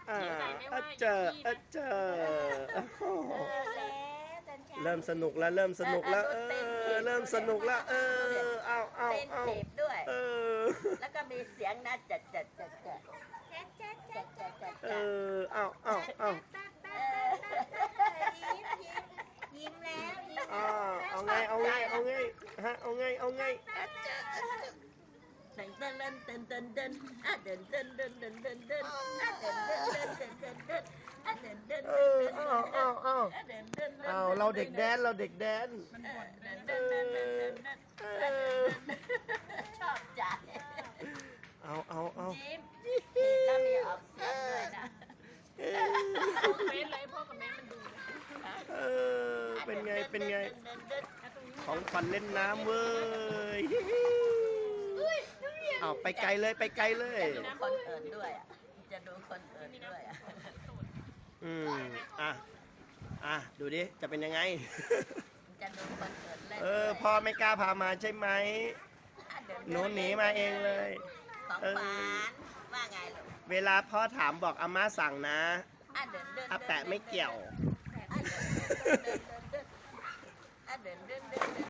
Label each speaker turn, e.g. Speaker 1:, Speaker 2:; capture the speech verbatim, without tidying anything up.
Speaker 1: อ่าอ่ะเจออ่ะเจอโอ้โหเริ่มสนุกแล้วเริ่มสนุกแล้วเออเริ่มสนุกแล้วเออเอาเอา
Speaker 2: เต้น
Speaker 1: เอา
Speaker 2: ถีบด้วย
Speaker 1: เออ
Speaker 2: แล้วก็มีเสียงนะจัดจัดจัดจัดจัดจัดจัดจัดจัด
Speaker 1: เอ
Speaker 2: จัด
Speaker 1: อเอาเอาเอา
Speaker 2: เออยิ้มยิ้มยิ้มแล้วยิ้ม
Speaker 1: อ่าเอาไงเอาไงเอาไงฮะเอาไงเอาไงอ่ะเจออ่ะเจอ
Speaker 2: เดินเดินเดินเดินเดินอ่ะเดินเดินเดินเดินเดินเดินอ่ะเดินเดินเดินเดินเดินเดินอ่ะเดินเดิน
Speaker 1: เอ
Speaker 2: เดิน
Speaker 1: อ
Speaker 2: เดิน
Speaker 1: เอาเอาเอา
Speaker 2: อ่ะเดินเดินเดิน
Speaker 1: เอาเราเด็กแดนเราเด็กแดน
Speaker 2: เดินเดินเดินเดินเดินเดิน
Speaker 1: เออ
Speaker 2: ชอบใจ
Speaker 1: เอาเอาเอา
Speaker 2: ยิ้มแล้วมีออกเสียงด้วยนะ
Speaker 1: เออ
Speaker 3: เฟซเลยพ่อกับแม่มันดู
Speaker 1: เออเป็นไงเป็นไงของขวัญเล่นน้ำเว้ยเอาไปไกลเลยไปไกลเลย
Speaker 2: จะดูคนอื่นด้วยอ่ะจะดูคนอื่นด้วยอ่ะ
Speaker 1: อืมอ่ะอ่ะดูดิจะเป็นยังไง
Speaker 2: จะดูคนอื่นเล่น
Speaker 1: เออพ่อไม่กล้าพามาใช่ไหมหนูหนีมาเองเลย
Speaker 2: ของ
Speaker 1: เออ
Speaker 2: หวานว่าไงลูก
Speaker 1: เวลาพ่อถามบอกอาม่าสั่งนะ
Speaker 2: อ่ะเดินเดิน
Speaker 1: อาแปะไม่เกี่ยว
Speaker 2: อ่ะเดินเดินเดินเดินอ่ะเดินเดินเดิน